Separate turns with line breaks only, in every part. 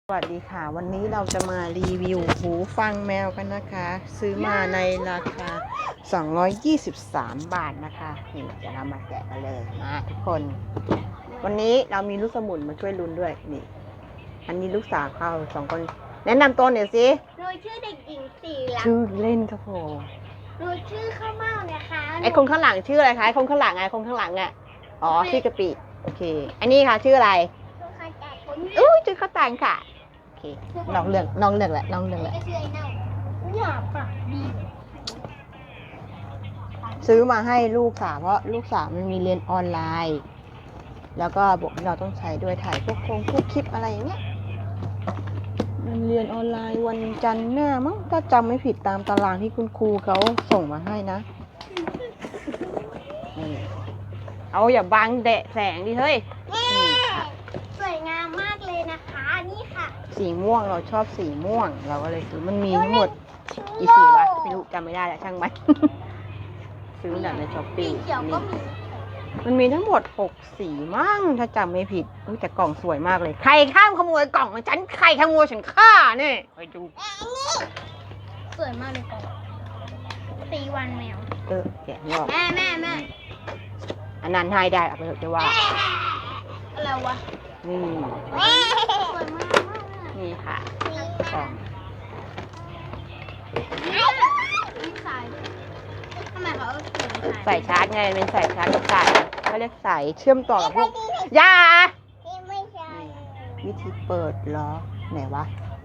สวัสดีค่ะวันนี้เราจะมารีวิวหูฟังแมวกันนะคะซื้อมาในราคา223 บาทนะคะนี่เดี๋ยวเรามาแกะกันเลยนะทุกคนวันนี้เรามีลูกสมุนมาช่วยลุ้นด้วยนี่อันนี้ลูกสาวเขา2 คนแนะนำตัวหน่อยสิ
หนูชื่อเด็กหญิงสีรัก
ชื่อเล่นครับผม
หนูชื่อข้าวเม่านะคะ
ไอคนข้างหลังชื่ออะไรคะไอคนข้างหลังอ่ะอ๋อชื่อกะปิโอเคอันนี้ค่ะชื่ออะไรอุ้ยชื่อข้าวตังค่ะโอเคน้องเรื่องแหละน้องเรื่องแหละ
ก็ชื่อไอ้เน่าหยาบปากดี
ซื้อมาให้ลูกสาวเพราะลูกสาวมันมีเรียนออนไลน์ แล้วก็บอกเราต้องใช้ด้วยถ่ายพวกคลิปอะไรอย่างเงี้ยมันเรียนออนไลน์วันจันทร์หน้ามั้งถ้าจำไม่ผิดตามตารางที่คุณครูเขาส่งมาให้นะเอาอย่าบังแดดแสงดิเฮ้ย
สวยงามมากเลยนะคะนี่ค่ะ
สีม่วงเราชอบสีม่วงเราก็เลยซื้อมันมีทั้งหมดกี่สีวะไม่รู้จำไม่ได้แล้วช่างมันซื้อจากในช้อปปี้มันมีทั้งหมด6 สีมั้งถ้าจำไม่ผิดแต่กล่องสวยมากเลยใครข้ามขโมยกล่องของฉันใครขโมยฉันฆ่าเนี่ยไปดู
สวยมากเลยกล่องตีวันแมว
แกะนี่ออก
แม่
อันนั้นให้ได้เอาไปเถอะจะว่า
อะไรวะ
นี่
สวยมาก
นี่ค่ะกล่อง
ทำไมเขา
ใส่ชาร์จไงเป็นใส่ชาร์จกับสายเขาเรียกสายเชื่อมต่อกับพวกยาวิธีเปิดล้อไหนวะ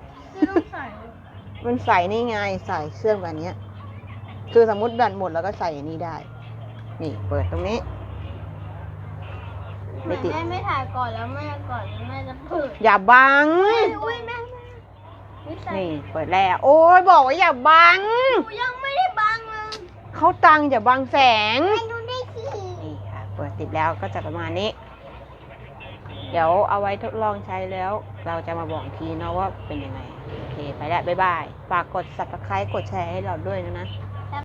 มันใส่นี่ไงใส่เชื่อมกันเนี้ยคือสมมติแบตหมดแล้วก็ใส่อันนี้ได้นี่เปิดตรงนี้
แม่ไม่ถ่ายก่อนแล้วแม่จะเปิด
อย่าบัง
แม่
นี่เปิดแล้วโอ้ยบอกว่าอย่าบัง
หนูยังไม่ได้บังเลย
เขาตังอย่าบังแสง
ดูได้สิ
นี่ค่ะเปิดติดแล้วก็จะประมาณนี้เดี๋ยวเอาไว้ทดลองใช้แล้วเราจะมาบอกทีนะว่าเป็นยังไงโอเคไปแล้วบ๊ายบายฝากกด Subscribe กดแชร์ให้เราด้วยนะ